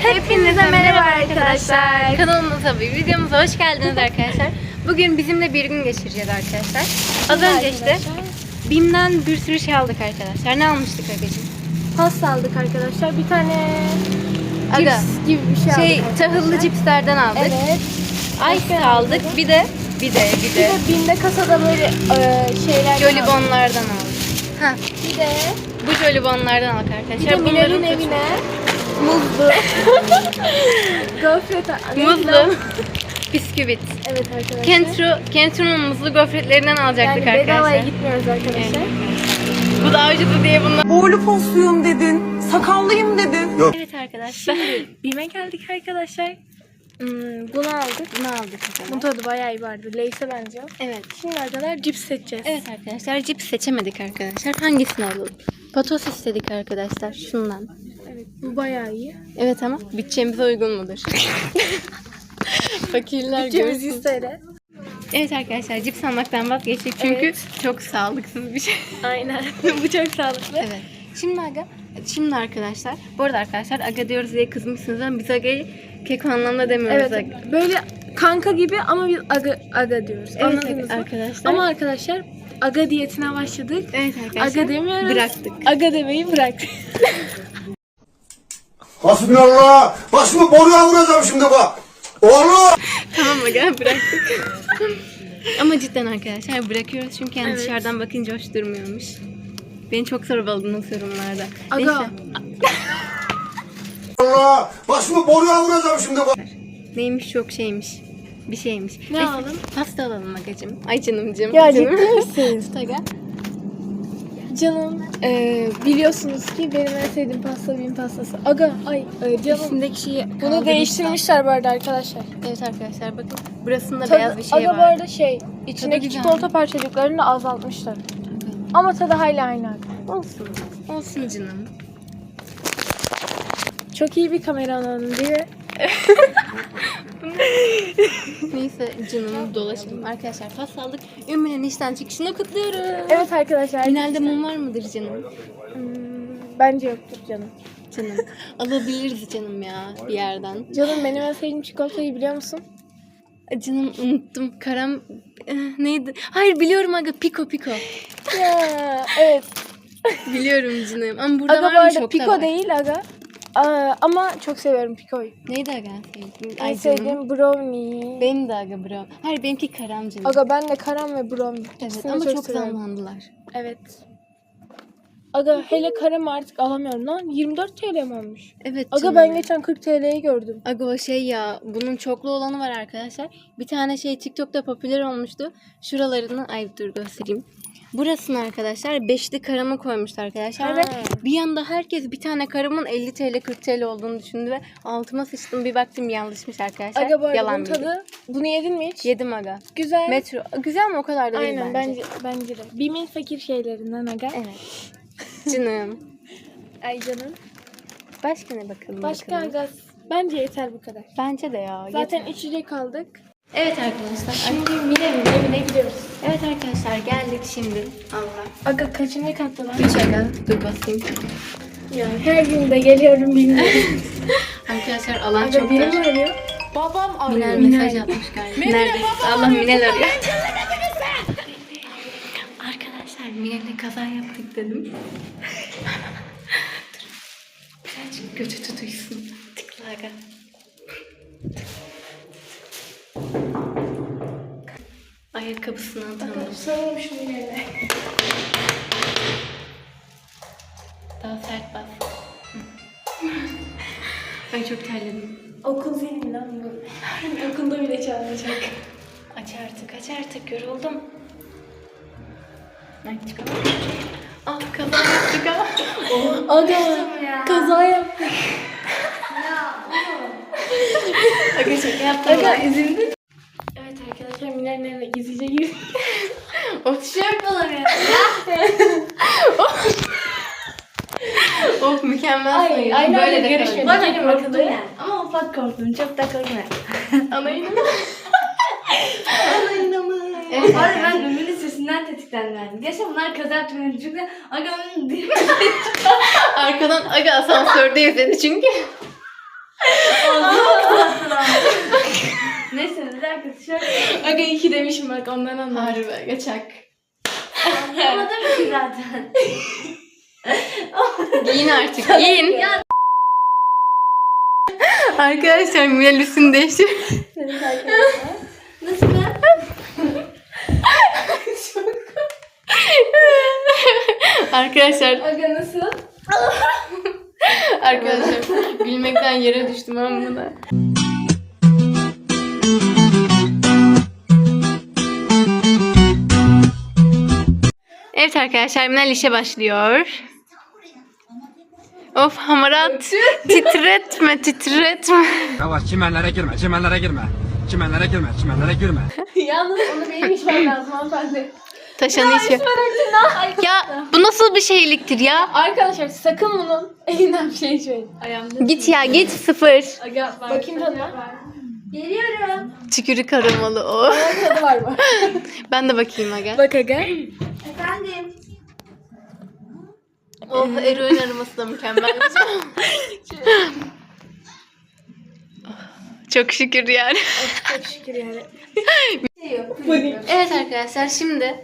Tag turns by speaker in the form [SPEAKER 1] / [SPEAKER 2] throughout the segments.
[SPEAKER 1] Hepinize merhaba arkadaşlar.
[SPEAKER 2] Kanalımıza ve videomuza hoş geldiniz arkadaşlar. Bugün bizimle bir gün geçireceğiz arkadaşlar. Az önce işte BİM'den bir sürü şey aldık arkadaşlar. Ne almıştık Agacığım?
[SPEAKER 1] Pasta aldık arkadaşlar. Bir tane
[SPEAKER 2] Aga,
[SPEAKER 1] cips gibi bir şey aldık.
[SPEAKER 2] tahıllı cipslerden aldık.
[SPEAKER 1] Evet.
[SPEAKER 2] Ice aldık. Bir de
[SPEAKER 1] Bir de BİM'de kasada böyle şeyler
[SPEAKER 2] jolibonlardan aldık. Ha,
[SPEAKER 1] Bir de
[SPEAKER 2] bu jolibonlardan aldık arkadaşlar.
[SPEAKER 1] Mine'nin evine muzlu gofret
[SPEAKER 2] muzlu bisküvit.
[SPEAKER 1] Evet arkadaşlar.
[SPEAKER 2] Kentro'nun muzlu gofretlerinden alacaktık
[SPEAKER 1] Yani bedavaya
[SPEAKER 2] arkadaşlar.
[SPEAKER 1] gitmiyoruz arkadaşlar.
[SPEAKER 2] Bu da avcısı diye bunlar.
[SPEAKER 3] Boylu posluyum dedin, sakallıyım dedin.
[SPEAKER 2] Evet arkadaşlar.
[SPEAKER 1] BİM'e geldik arkadaşlar. Bunu aldık.
[SPEAKER 2] Ne aldık o
[SPEAKER 1] Bunun
[SPEAKER 2] zaman?
[SPEAKER 1] tadı bayağı iyi vardı. Lay's'e benziyor.
[SPEAKER 2] Evet.
[SPEAKER 1] Şimdi arkadaşlar cips seçeceğiz.
[SPEAKER 2] Evet arkadaşlar, cips seçemedik arkadaşlar. Hangisini alalım? Patos istedik arkadaşlar, şundan.
[SPEAKER 1] Evet, bu bayağı iyi.
[SPEAKER 2] Evet ama bütçemize uygun mudur? Fakirler
[SPEAKER 1] Bütçemiz
[SPEAKER 2] görsün.
[SPEAKER 1] 100 TL.
[SPEAKER 2] Evet arkadaşlar, cips almaktan vazgeçtik çünkü
[SPEAKER 1] Evet.
[SPEAKER 2] çok sağlıksız bir şey.
[SPEAKER 1] Aynen. Bu çok sağlıklı.
[SPEAKER 2] Evet. Şimdi arkadaşlar, bu arada arkadaşlar Aga diyoruz diye kızmışsınız ama biz Aga'yı keko anlamda demiyoruz.
[SPEAKER 1] Evet.
[SPEAKER 2] Aga.
[SPEAKER 1] Böyle kanka gibi ama biz aga diyoruz.
[SPEAKER 2] Evet
[SPEAKER 1] Anladınız mı?
[SPEAKER 2] arkadaşlar.
[SPEAKER 1] Ama arkadaşlar aga diyetine başladık.
[SPEAKER 2] Evet arkadaşlar.
[SPEAKER 1] Aga demiyoruz.
[SPEAKER 2] Bıraktık.
[SPEAKER 1] Aga demeyi bıraktık.
[SPEAKER 4] Hasbinallah. Başımı boruya vuracağım şimdi bak. Oğlum.
[SPEAKER 2] Tamam Aga, bıraktık. Ama cidden arkadaşlar bırakıyoruz çünkü yani dışarıdan bakınca hoş durmuyormuş. Beni çok sorguladınız yorumlarda.
[SPEAKER 1] Aga.
[SPEAKER 2] Neyse.
[SPEAKER 4] Allah. Başımı boruya vuracağım şimdi bak.
[SPEAKER 2] Neymiş çok şeymiş. Bir şeymiş.
[SPEAKER 1] Ne
[SPEAKER 2] Neyse,
[SPEAKER 1] alalım?
[SPEAKER 2] Pasta alalım Agacığım. Ay canımcığım.
[SPEAKER 1] Ya
[SPEAKER 2] canım.
[SPEAKER 1] ciddi misin?
[SPEAKER 2] Tut Aga.
[SPEAKER 1] Canım biliyorsunuz ki benim en sevdiğim pasta BİM pastası. Aga canım.
[SPEAKER 2] İçindeki şeyi
[SPEAKER 1] Bunu
[SPEAKER 2] kaldırmışlar.
[SPEAKER 1] değiştirmişler bu arada arkadaşlar.
[SPEAKER 2] Evet arkadaşlar bakın. Burasında
[SPEAKER 1] Tadı,
[SPEAKER 2] beyaz bir şey
[SPEAKER 1] aga
[SPEAKER 2] var.
[SPEAKER 1] bu arada içindeki
[SPEAKER 2] güzel.
[SPEAKER 1] çikolata parçacıklarını da azaltmışlar. Ama tadı hala aynı.
[SPEAKER 2] Olsun. Olsun canım.
[SPEAKER 1] Çok iyi bir kameraman diye.
[SPEAKER 2] Neyse canım dolaşalım. Arkadaşlar pasta aldık. Ümmü'nün işten çıkışını kutluyoruz.
[SPEAKER 1] Evet arkadaşlar.
[SPEAKER 2] Finalde mum var mıdır canım?
[SPEAKER 1] Bence yoktur canım.
[SPEAKER 2] Canım. Alabiliriz canım ya bir yerden.
[SPEAKER 1] Canım benim en sevdiğim çikolatayı biliyor musun?
[SPEAKER 2] Canım unuttum. Karam neydi? Hayır biliyorum aga. Piko.
[SPEAKER 1] Ya evet.
[SPEAKER 2] Biliyorum canım. Ama burada
[SPEAKER 1] Aga bu
[SPEAKER 2] var mı?
[SPEAKER 1] arada
[SPEAKER 2] Şokta
[SPEAKER 1] Piko
[SPEAKER 2] var.
[SPEAKER 1] değil aga. Ama çok seviyorum Piko'yu.
[SPEAKER 2] Neydi aga sevdiğin?
[SPEAKER 1] En
[SPEAKER 2] Ay canım.
[SPEAKER 1] sevdiğim brownie.
[SPEAKER 2] Benim de aga bro. Hayır benimki karam canım.
[SPEAKER 1] Aga ben de karam ve brownie.
[SPEAKER 2] Evet
[SPEAKER 1] İkisini
[SPEAKER 2] ama çok
[SPEAKER 1] seviyorum.
[SPEAKER 2] zamlandılar.
[SPEAKER 1] Evet. Aga hele karam artık alamıyorum lan. 24 TL mi olmuş?
[SPEAKER 2] Evet
[SPEAKER 1] Aga
[SPEAKER 2] canım.
[SPEAKER 1] ben geçen 40 TL'yi gördüm.
[SPEAKER 2] Aga o şey ya, bunun çoklu olanı var arkadaşlar. Bir tane şey TikTok'ta popüler olmuştu. Şuralarını, ay dur göstereyim. Burasını arkadaşlar beşli karamı koymuştu arkadaşlar ve bir anda herkes bir tane karamın 50 TL 40 TL olduğunu düşündü ve altıma sıçtım, bir baktım yanlışmış arkadaşlar.
[SPEAKER 1] Aga bu arada
[SPEAKER 2] Yalan
[SPEAKER 1] bunun
[SPEAKER 2] bilgi.
[SPEAKER 1] tadı, bunu yedin mi hiç?
[SPEAKER 2] Yedim aga.
[SPEAKER 1] Güzel.
[SPEAKER 2] Metro. Güzel mi? O kadar da değil
[SPEAKER 1] Aynen bence de. BİM'in fakir şeylerinden aga.
[SPEAKER 2] Evet. Canım.
[SPEAKER 1] Ay canım.
[SPEAKER 2] Başka ne bakalım?
[SPEAKER 1] Başka
[SPEAKER 2] bakalım.
[SPEAKER 1] aga bence yeter bu kadar.
[SPEAKER 2] Bence de ya.
[SPEAKER 1] Zaten
[SPEAKER 2] yeter.
[SPEAKER 1] içecek aldık.
[SPEAKER 2] Evet arkadaşlar.
[SPEAKER 1] Şimdi Mine'nin evine gidiyoruz.
[SPEAKER 2] Evet arkadaşlar geldik şimdi. Allah.
[SPEAKER 1] Aga kaçıncı katta lan?
[SPEAKER 2] 3 aga. Dur basayım.
[SPEAKER 1] Ya her gün de geliyorum bilmiyorum.
[SPEAKER 2] Arkadaşlar alan
[SPEAKER 1] Aga
[SPEAKER 2] çok
[SPEAKER 1] biri
[SPEAKER 2] dar.
[SPEAKER 1] mi arıyor? Babam arıyor.
[SPEAKER 2] Minel mesaj atmış galiba. Neredesin? Allah Minel arıyor. Arkadaşlar Minel'le kaza yaptık dedim. Dur. Birazcık götü tutuysun. Tıkla aga. Ayakkabısını atalım.
[SPEAKER 1] Sarılım şu Mine'yle.
[SPEAKER 2] Daha sert bas. Ay çok terledim.
[SPEAKER 1] Okul zili lan bu. Okulda bile çalınacak.
[SPEAKER 2] Aç artık yoruldum. Ay çıkalım. Ah kaza yaptık ama.
[SPEAKER 1] Aga kaza yaptık.
[SPEAKER 2] Aga şaka yaptım.
[SPEAKER 1] Aga üzüldün. Evet arkadaşlar Mine'nin evine gizlice girdik.
[SPEAKER 2] O tişört olamıyor. Of mükemmel.
[SPEAKER 1] Ay, aynen
[SPEAKER 2] böyle de
[SPEAKER 1] görüşmedik.
[SPEAKER 2] kalın.
[SPEAKER 1] Gelin bakalım.
[SPEAKER 5] Yani. Ama ufak korktum. Çok da korkma.
[SPEAKER 2] Anayını mı?
[SPEAKER 5] Anayına mı?
[SPEAKER 2] Evet,
[SPEAKER 5] Abi
[SPEAKER 2] arkadaşlar.
[SPEAKER 5] ben Ümmü'nün sesinden tetiklendim. Gerçi bunlar kaza yaptığını çünkü aga
[SPEAKER 2] Arkadan aga asansörde izledi çünkü.
[SPEAKER 5] alakası? Şöyle.
[SPEAKER 1] Aga 2 demişim bak ondan anladım.
[SPEAKER 2] Harbi geçak.
[SPEAKER 5] Anlamadım ki zaten.
[SPEAKER 2] Giyin artık giyin. Arkadaşlar Minel üstünü değiştir.
[SPEAKER 5] Nasıl ben?
[SPEAKER 2] Arkadaşlar
[SPEAKER 1] Aga nasıl?
[SPEAKER 2] Arkadaşlar gülmekten yere düştüm ama buna. Evet arkadaşlar Minel işe başlıyor. Of hamarat titretme.
[SPEAKER 6] Yavaş çimenlere girme, çimenlere girme. Çimenlere girme, çimenlere girme.
[SPEAKER 1] Yalnız onu benim içmem lazım hanımefendi.
[SPEAKER 2] Taşanı işi. Ya bu nasıl bir şeyliktir ya?
[SPEAKER 1] Arkadaşlar sakın bunun elinden bir şey içmeyin. Ayağımda.
[SPEAKER 2] Git ya git 0.
[SPEAKER 1] Aga bakayım tadına.
[SPEAKER 5] Geliyorum.
[SPEAKER 2] Tükürük aromalı o.
[SPEAKER 1] Tadı var mı?
[SPEAKER 2] Ben de bakayım aga.
[SPEAKER 1] Bak aga.
[SPEAKER 5] Efendim.
[SPEAKER 2] Oh eroin aroması da mükemmel. Çok şükür yani.
[SPEAKER 1] Çok şükür yani.
[SPEAKER 2] Evet arkadaşlar şimdi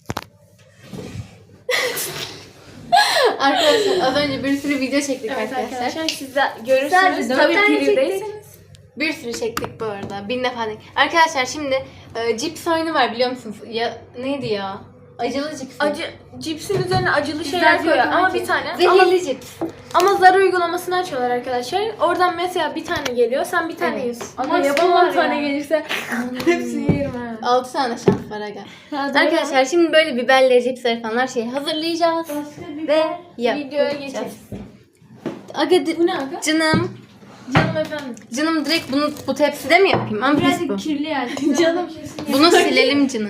[SPEAKER 2] arkadaşlar az önce bir sürü video çektik
[SPEAKER 1] Evet
[SPEAKER 2] arkadaşlar.
[SPEAKER 1] arkadaşlar siz de görürsünüz.
[SPEAKER 5] Sadece dört
[SPEAKER 1] Tabii
[SPEAKER 5] tane
[SPEAKER 1] pirdeyseniz.
[SPEAKER 2] Bir sürü çektik bu arada. 1000 defa değil. Arkadaşlar şimdi cips oyunu var biliyor musunuz? Ya neydi ya? Acılı cips.
[SPEAKER 1] Acı cipsin üzerine acılı şeyler koyuyor ama bir tane. Ama,
[SPEAKER 2] Zehirli cips.
[SPEAKER 1] ama zar uygulamasını açıyorlar arkadaşlar. Oradan mesela bir tane geliyor, sen bir tane
[SPEAKER 2] Evet.
[SPEAKER 1] yiyorsun. Ama
[SPEAKER 5] Ama
[SPEAKER 1] yapamam
[SPEAKER 5] var
[SPEAKER 1] tane
[SPEAKER 5] ya.
[SPEAKER 1] gelirse hepsini yerim ha.
[SPEAKER 2] 6 tane şans var aga. Arkadaşlar şimdi böyle biberleri, cipsleri falan her şeyi hazırlayacağız. Ve
[SPEAKER 1] Videoya geçelim.
[SPEAKER 2] Aga
[SPEAKER 1] Bu ne aga?
[SPEAKER 2] canım.
[SPEAKER 1] Canım efendim.
[SPEAKER 2] Canım direkt bunu bu tepside mi yapayım? Ama pis bu.
[SPEAKER 5] Birazcık kirli yani.
[SPEAKER 1] Canım.
[SPEAKER 2] Bunu silelim canım.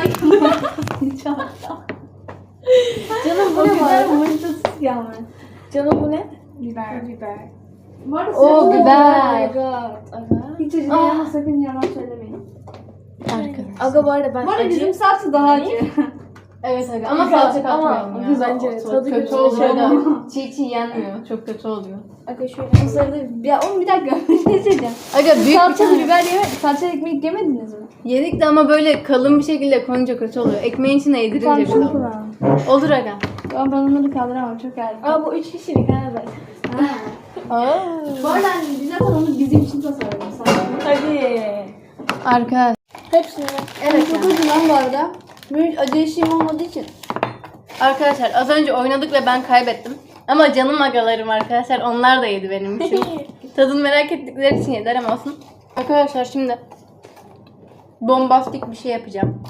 [SPEAKER 1] Canım bu ne var?
[SPEAKER 5] Mantıksız yani.
[SPEAKER 1] Canım bu ne?
[SPEAKER 5] Biber.
[SPEAKER 1] Biber.
[SPEAKER 5] Var ya
[SPEAKER 2] Oo,
[SPEAKER 5] sen-
[SPEAKER 2] biber.
[SPEAKER 1] Oh my god. Aga.
[SPEAKER 5] Hiç acı ama sakın yalan söylemeyin.
[SPEAKER 2] Arkadaşlar.
[SPEAKER 1] Aga bu arada ben
[SPEAKER 5] Bu arada
[SPEAKER 1] acı.
[SPEAKER 5] bizim salça daha acı.
[SPEAKER 2] Evet aga ama
[SPEAKER 1] Güzel,
[SPEAKER 2] salça
[SPEAKER 1] ama
[SPEAKER 2] katmayalım ya.
[SPEAKER 1] güzel, bence
[SPEAKER 2] Çok
[SPEAKER 1] tadı
[SPEAKER 2] kötü
[SPEAKER 1] kötü
[SPEAKER 2] oluyor
[SPEAKER 1] oluyor.
[SPEAKER 2] da. Çiğ yenmiyor. Çok kötü oluyor.
[SPEAKER 1] Aga şöyle.
[SPEAKER 5] Mısırda ya oğlum bir dakika ne söyleyeceğim.
[SPEAKER 2] Aga büyük bir
[SPEAKER 5] Salçalı
[SPEAKER 2] tane.
[SPEAKER 5] biber salça ekmek yemediniz mi?
[SPEAKER 2] Yedik de ama böyle kalın bir şekilde koyunca kötü oluyor. Ekmeğin içine yedirince
[SPEAKER 5] Tamam
[SPEAKER 2] bile
[SPEAKER 5] şunu
[SPEAKER 2] oluyor.
[SPEAKER 5] kullan.
[SPEAKER 2] Olur aga.
[SPEAKER 5] Ben onları kaldıramam çok ağır.
[SPEAKER 1] Aa bu 3 kişilik ha zaten.
[SPEAKER 5] Bu arada biz zaten onu bizim için tasarladık.
[SPEAKER 1] Hadi.
[SPEAKER 2] Arkadaş.
[SPEAKER 1] Hepsini.
[SPEAKER 5] Evet çok acı lan bu arada. Benim hiç acı eşiğim olmadığı için.
[SPEAKER 2] Arkadaşlar az önce oynadık ve ben kaybettim. Ama canım agalarım arkadaşlar onlar da yedi benim için. Tadını merak ettikleri için yediler ama olsun. Arkadaşlar şimdi bombastik bir şey yapacağım.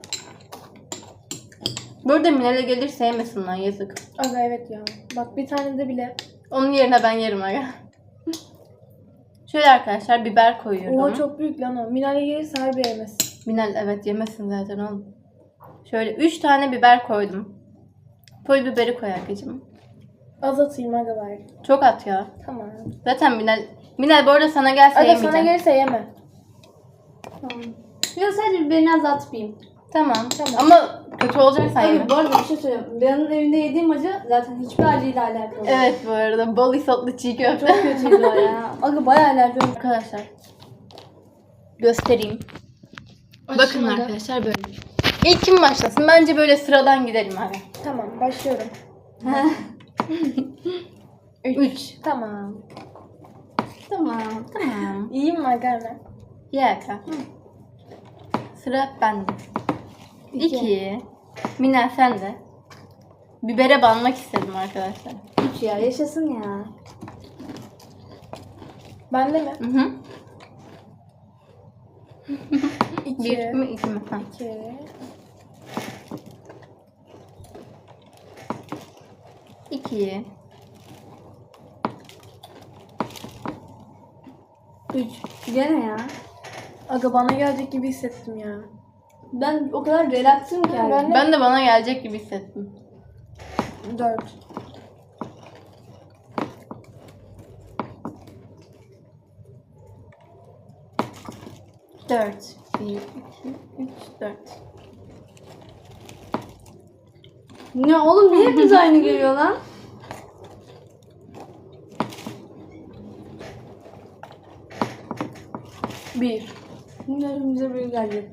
[SPEAKER 2] Burada Minel'e gelir sevmesin lan yazık.
[SPEAKER 1] Aga evet ya. Bak bir tane de bile.
[SPEAKER 2] Onun yerine ben yerim aga. Şöyle arkadaşlar biber koyuyorum.
[SPEAKER 1] Oha çok büyük lan o. Minale gelirse harbi yemez.
[SPEAKER 2] Minel evet yemesin zaten oğlum. Şöyle 3 tane biber koydum. Pul biberi koy arkacığım.
[SPEAKER 1] Az atayım aga bari.
[SPEAKER 2] Çok at ya.
[SPEAKER 1] Tamam.
[SPEAKER 2] Zaten Minel bu arada sana gelse
[SPEAKER 1] Aga
[SPEAKER 2] yemeyeceğim.
[SPEAKER 1] sana gelirse yeme.
[SPEAKER 5] Yok sadece biberini azaltmayayım.
[SPEAKER 2] Tamam. Ama kötü olacaksan yeme.
[SPEAKER 5] Hayır bu arada bir şey söyleyeyim. Benim evinde yediğim acı zaten hiçbir acıyla alakalı.
[SPEAKER 2] Evet bu arada bol isotlu çiğ köfte.
[SPEAKER 5] Çok kötüydü o ya. Aga bayağı alerji olmuş.
[SPEAKER 2] Arkadaşlar göstereyim. Bakın
[SPEAKER 1] aga.
[SPEAKER 2] arkadaşlar böyle. İlk kim başlasın? Bence böyle sıradan gidelim abi.
[SPEAKER 1] Tamam başlıyorum.
[SPEAKER 2] 3.
[SPEAKER 1] Tamam.
[SPEAKER 2] Tamam.
[SPEAKER 1] İyiyim mi aga hemen?
[SPEAKER 2] Yaka. Sıra bende. 2. Minel sen de. Bibere banmak istedim arkadaşlar.
[SPEAKER 5] 3 ya yaşasın ya.
[SPEAKER 1] Bende mi?
[SPEAKER 2] Hı hı.
[SPEAKER 1] 2.
[SPEAKER 2] 1 mi 2 mi? Ha.
[SPEAKER 1] 2.
[SPEAKER 2] 2.
[SPEAKER 5] 3. Gene ya.
[SPEAKER 1] Aga bana gelecek gibi hissettim ya.
[SPEAKER 5] Ben o kadar relaxım ki.
[SPEAKER 1] Ha, ben de-
[SPEAKER 2] Ben de bana gelecek gibi hissettim.
[SPEAKER 1] 4.
[SPEAKER 2] 4. 1, 2, 3, 4.
[SPEAKER 5] Ne oğlum niye hepimiz aynı geliyor lan?
[SPEAKER 1] Bir.
[SPEAKER 5] Bilmiyorum bize böyle gelecek.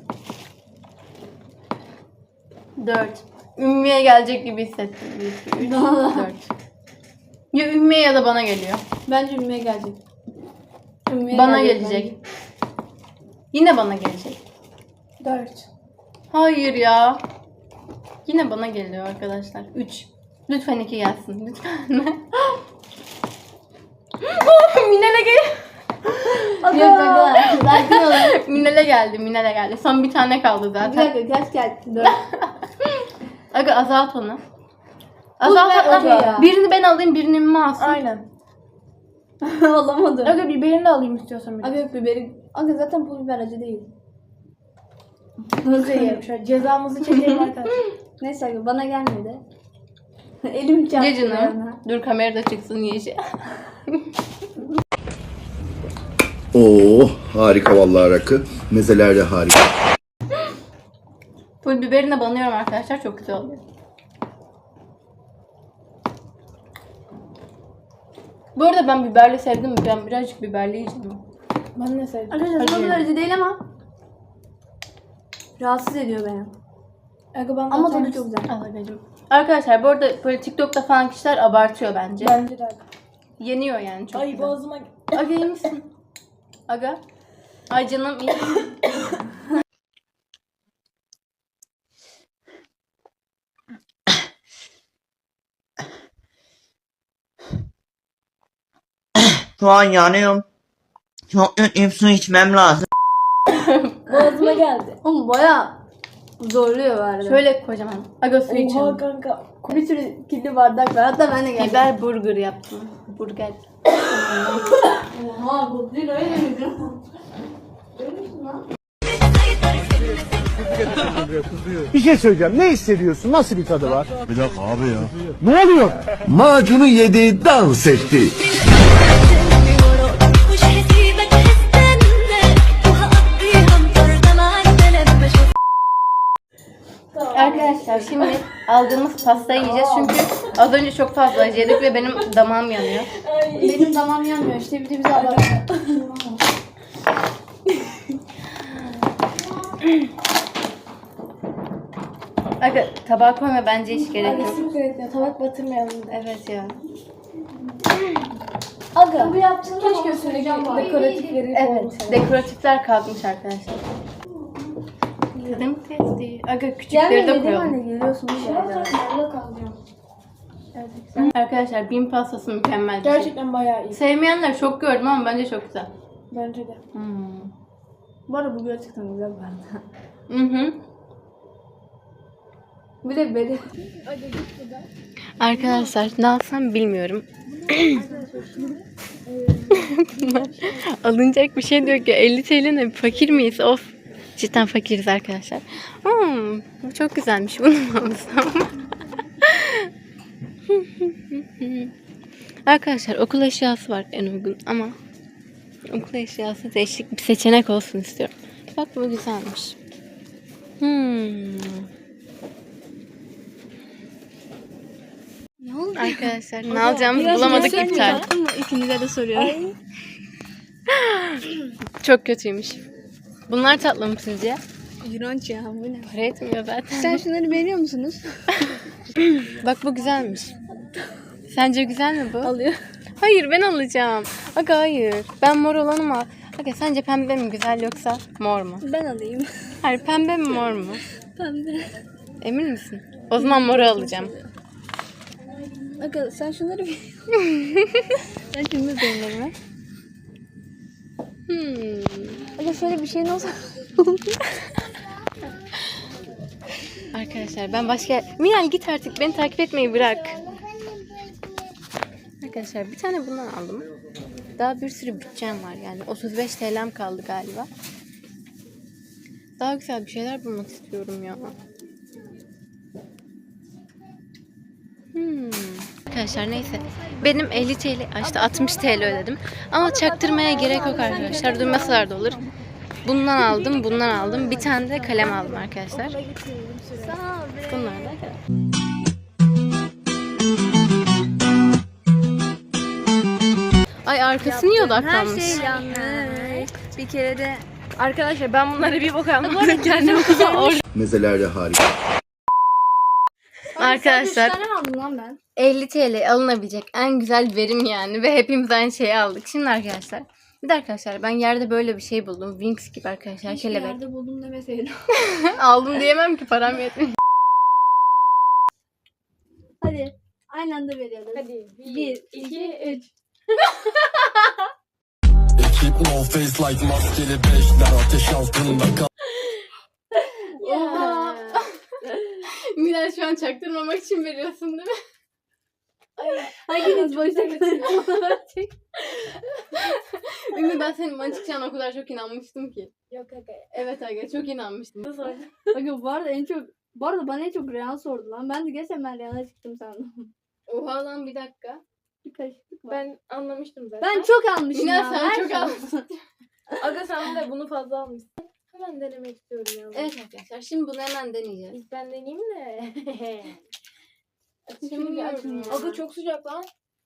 [SPEAKER 2] 4. Ümmü'ye gelecek gibi hissettim. 1, 2, 3, 4. Ya Ümmü'ye ya da bana geliyor.
[SPEAKER 5] Bence Ümmü'ye gelecek. Ümmü'ye
[SPEAKER 2] Bana gelecek. Yine bana gelecek.
[SPEAKER 5] 4.
[SPEAKER 2] Hayır ya. Yine bana geliyor arkadaşlar. 3. Lütfen 2 gelsin. Lütfen. Minel'e gel.
[SPEAKER 5] Yok sakin olun.
[SPEAKER 2] Minel'e geldi. Minel'e geldi. Son bir tane kaldı
[SPEAKER 5] Bir
[SPEAKER 2] zaten.
[SPEAKER 5] dakika kaç geldi? 4.
[SPEAKER 2] Aga azalt onu. Azalt
[SPEAKER 5] ver
[SPEAKER 2] hatta.
[SPEAKER 5] Aga ya.
[SPEAKER 2] Birini ben alayım, birini mi alsın?
[SPEAKER 1] Aynen.
[SPEAKER 5] Alamadım.
[SPEAKER 1] Aga biberini de alayım istiyorsan biraz.
[SPEAKER 5] Aga yok biberi. Aga zaten pul biber acı değil.
[SPEAKER 1] Hızlı yiyelim şöyle. Cezamızı çekelim arkadaşlar.
[SPEAKER 5] Neyse aga bana gelmedi. Elim çarptı.
[SPEAKER 2] Ye canım.
[SPEAKER 5] ayağına.
[SPEAKER 2] Dur kamerada çıksın yeşil.
[SPEAKER 4] Oo harika vallahi rakı. Mezeler de harika.
[SPEAKER 2] Pul biberini banıyorum arkadaşlar. Çok güzel oluyor. Bu arada ben biberli sevdim. Ben birazcık biberli yiyeceğim.
[SPEAKER 1] Ben ne sevdim?
[SPEAKER 5] Arkadaşlar pul biber acı değil ama rahatsız ediyor beni.
[SPEAKER 1] Aga ben
[SPEAKER 5] Ama
[SPEAKER 1] zaten-
[SPEAKER 5] tadı çok güzel.
[SPEAKER 2] Al Agacığım. Arkadaşlar bu arada böyle TikTok'ta falan kişiler abartıyor bence.
[SPEAKER 1] Bence de aga.
[SPEAKER 2] Yeniyor yani çok
[SPEAKER 1] Ay
[SPEAKER 2] güzel.
[SPEAKER 1] boğazıma...
[SPEAKER 2] Aga iyi misin? Aga. Ay canım iyi.
[SPEAKER 7] Şu an yanıyorum. Çok kötüyüm, su içmem lazım.
[SPEAKER 1] Boğazıma geldi.
[SPEAKER 5] Oğlum baya zorluyor bari.
[SPEAKER 2] Şöyle kocaman. Aga su
[SPEAKER 1] Oha
[SPEAKER 2] içelim.
[SPEAKER 1] kanka.
[SPEAKER 5] bir sürü kirli bardak var. Hatta ben de geldim.
[SPEAKER 2] Biber burger yaptım. Burger.
[SPEAKER 5] Oha bu değil öyle miydi?
[SPEAKER 8] Bir şey söyleyeceğim. Ne hissediyorsun? Nasıl bir tadı var?
[SPEAKER 4] Bir dakika abi ya.
[SPEAKER 8] Ne oluyor?
[SPEAKER 4] Macunu yedi dans etti.
[SPEAKER 9] مش هسيبك هستنى وهقضيها مطردة معاك لما اشوف
[SPEAKER 2] Arkadaşlar şimdi aldığımız pastayı yiyeceğiz çünkü az önce çok fazla acı yedik ve benim damağım yanıyor.
[SPEAKER 5] Benim damağım yanmıyor işte bir de bize alalım.
[SPEAKER 2] Aga tabağa koyma bence hiç gerek yok.
[SPEAKER 1] Aga etmiyor. Tabak batırmayalım.
[SPEAKER 2] Evet ya.
[SPEAKER 1] Aga.
[SPEAKER 5] Bu yaptığında
[SPEAKER 1] Keşke üstündeki dekoratifleri
[SPEAKER 2] Evet. Dekoratifler kalkmış arkadaşlar. Tadım testi. Aga küçükleri de koyalım.
[SPEAKER 5] Geliyorsun bir şey.
[SPEAKER 2] Arkadaşlar bin pastası mükemmel bir şey.
[SPEAKER 1] Gerçekten bayağı iyi.
[SPEAKER 2] Sevmeyenler çok gördüm ama bence çok güzel.
[SPEAKER 1] Bence de.
[SPEAKER 5] Bu arada bu gerçekten güzel bir arada.
[SPEAKER 2] Hı.
[SPEAKER 5] Bir de beni.
[SPEAKER 2] Arkadaşlar ne alsam bilmiyorum. Alınacak bir şey diyor ki 50 TL ne fakir miyiz? Of. Cidden fakiriz arkadaşlar. Bu çok güzelmiş. Bunu mu alsam? Arkadaşlar okul eşyası var en uygun ama okul eşyası değişik bir seçenek olsun istiyorum. Bak bu güzelmiş.
[SPEAKER 5] Ne oldu?
[SPEAKER 2] Arkadaşlar ne alacağımızı bulamadık iptal.
[SPEAKER 5] İkinize de soruyorum.
[SPEAKER 2] Çok kötüymüş. Bunlar tatlı mı sizce?
[SPEAKER 5] İğrenç ya bu ne?
[SPEAKER 2] Para etmiyor zaten.
[SPEAKER 5] Sen şunları beğeniyor musunuz?
[SPEAKER 2] Bak bu güzelmiş. Sence güzel mi bu?
[SPEAKER 5] Alıyor.
[SPEAKER 2] Hayır ben alacağım. Aga hayır. Ben mor olanı mı al? Aga sence pembe mi güzel yoksa mor mu?
[SPEAKER 5] Ben alayım.
[SPEAKER 2] Hayır pembe mi mor mu?
[SPEAKER 5] Pembe.
[SPEAKER 2] Emin misin? O zaman moru alacağım.
[SPEAKER 5] Aga sen şunları bir... Ben şimdi beğenirim. Aga şöyle bir şeyin olsa...
[SPEAKER 2] Arkadaşlar ben başka... Minal git artık beni takip etmeyi bırak. Arkadaşlar bir tane bundan aldım. Daha bir sürü bütçem var yani. 35 TL'm kaldı galiba. Daha güzel bir şeyler bulmak istiyorum ya. Arkadaşlar neyse. Benim 50 TL, işte 60 TL ödedim. Ama çaktırmaya gerek yok arkadaşlar. Duymasalar da olur. Bundan aldım, bundan aldım. Bir tane de kalem aldım arkadaşlar. Bunlar da kalem. Ay arkası niye odaklanmış?
[SPEAKER 5] Her şey yanlış. Bir kere de
[SPEAKER 2] Arkadaşlar ben bunlara bir bok almadım. Kendime
[SPEAKER 4] Mezeler de harika.
[SPEAKER 2] Arkadaşlar
[SPEAKER 5] 3 tane mi aldım lan ben?
[SPEAKER 2] 50 TL alınabilecek en güzel verim yani ve hepimiz aynı şeyi aldık. Şimdi arkadaşlar bir de arkadaşlar ben yerde böyle bir şey buldum. Wings gibi arkadaşlar kelebek.
[SPEAKER 5] Yerde buldum demeseydim.
[SPEAKER 2] Aldım diyemem ki param yetmiyor.
[SPEAKER 5] Hadi. Aynı anda veriyoruz.
[SPEAKER 1] Hadi
[SPEAKER 5] 1, 2, 3.
[SPEAKER 2] Oha. Miray şu an çaktırmamak için veriyorsun değil mi?
[SPEAKER 5] Hanginiz boşta kalır?
[SPEAKER 2] Ümit ben senin bana çıkacağına o kadar çok inanmıştım ki.
[SPEAKER 1] Yok aga.
[SPEAKER 2] Evet aga çok inanmıştım.
[SPEAKER 5] Bakın bu arada bana en çok Rehan sordu lan. Ben de geçen ben Rehan'a çıktım sandım.
[SPEAKER 2] Oha lan bir dakika.
[SPEAKER 5] Bir karışıklık var.
[SPEAKER 1] Ben anlamıştım zaten.
[SPEAKER 5] Ben çok almışım
[SPEAKER 2] Miray
[SPEAKER 5] ya.
[SPEAKER 2] sen
[SPEAKER 5] Ben
[SPEAKER 2] çok almışsın.
[SPEAKER 1] Aga sen de bunu fazla almışsın. Hemen denemek istiyorum ya.
[SPEAKER 2] Evet arkadaşlar şimdi bunu hemen deneyeceğiz.
[SPEAKER 1] İlk ben deneyeyim de.
[SPEAKER 2] Şimdi bir açın ya.
[SPEAKER 1] Aga çok sıcak lan.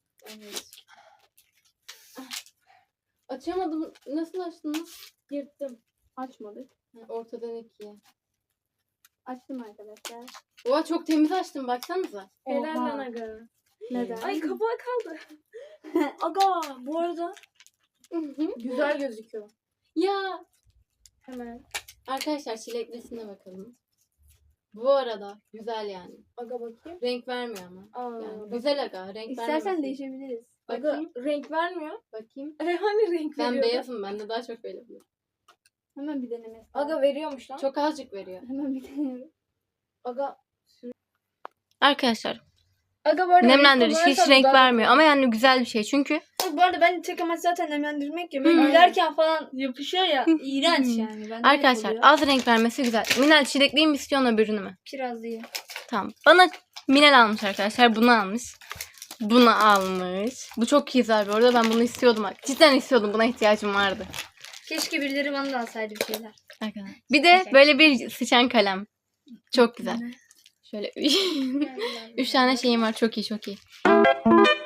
[SPEAKER 2] Açamadım. Nasıl açtınız?
[SPEAKER 1] Yırttım.
[SPEAKER 5] Açmadık.
[SPEAKER 2] Ortadan ikiye.
[SPEAKER 5] Açtım arkadaşlar.
[SPEAKER 2] Oha çok temiz açtım baksanıza.
[SPEAKER 1] Helal
[SPEAKER 5] Oha.
[SPEAKER 1] lan aga.
[SPEAKER 5] Neden?
[SPEAKER 1] Ay kapağı kaldı. Aga bu arada güzel gözüküyor.
[SPEAKER 2] Ya
[SPEAKER 1] Hemen.
[SPEAKER 2] arkadaşlar çileklisine bakalım. Bu arada güzel yani.
[SPEAKER 1] Aga bakayım.
[SPEAKER 2] Renk vermiyor ama.
[SPEAKER 1] Aa,
[SPEAKER 2] Yani güzel aga. Renk
[SPEAKER 5] İstersen
[SPEAKER 2] vermesin.
[SPEAKER 5] değişebiliriz.
[SPEAKER 1] Aga
[SPEAKER 2] Bakayım.
[SPEAKER 1] renk vermiyor.
[SPEAKER 2] Bakayım.
[SPEAKER 1] Hani renk
[SPEAKER 2] Ben
[SPEAKER 1] veriyor.
[SPEAKER 2] beyazım. Bende daha çok böyle.
[SPEAKER 5] Hemen bir deneme.
[SPEAKER 1] Aga veriyormuş lan.
[SPEAKER 2] Çok azıcık veriyor.
[SPEAKER 5] Hemen bir deneme.
[SPEAKER 1] Aga.
[SPEAKER 2] Arkadaşlar
[SPEAKER 1] Aga bu arada
[SPEAKER 2] nemlendirici
[SPEAKER 1] renk
[SPEAKER 2] hiç
[SPEAKER 1] kullanırsan
[SPEAKER 2] renk
[SPEAKER 1] daha-
[SPEAKER 2] vermiyor ama yani güzel bir şey çünkü
[SPEAKER 5] Bu arada ben tek amaç zaten nemlendirmek ya. Böyle gülerken falan yapışıyor ya. İğrenç yani. Ben
[SPEAKER 2] arkadaşlar az renk vermesi güzel. Minel çilekliyi mi istiyorsun öbürünü mü?
[SPEAKER 5] Kiraz değil.
[SPEAKER 2] Tamam. Bana Minel almış arkadaşlar. Bunu almış. Bunu almış. Bu çok güzel bu arada. Ben bunu istiyordum. Cidden istiyordum. Buna ihtiyacım vardı.
[SPEAKER 5] Keşke birileri bana da alsaydı bir şeyler.
[SPEAKER 2] Arkadaşlar. Bir de böyle bir sıçan kalem. Çok güzel. Şöyle 3 tane şeyim var. Çok iyi çok iyi.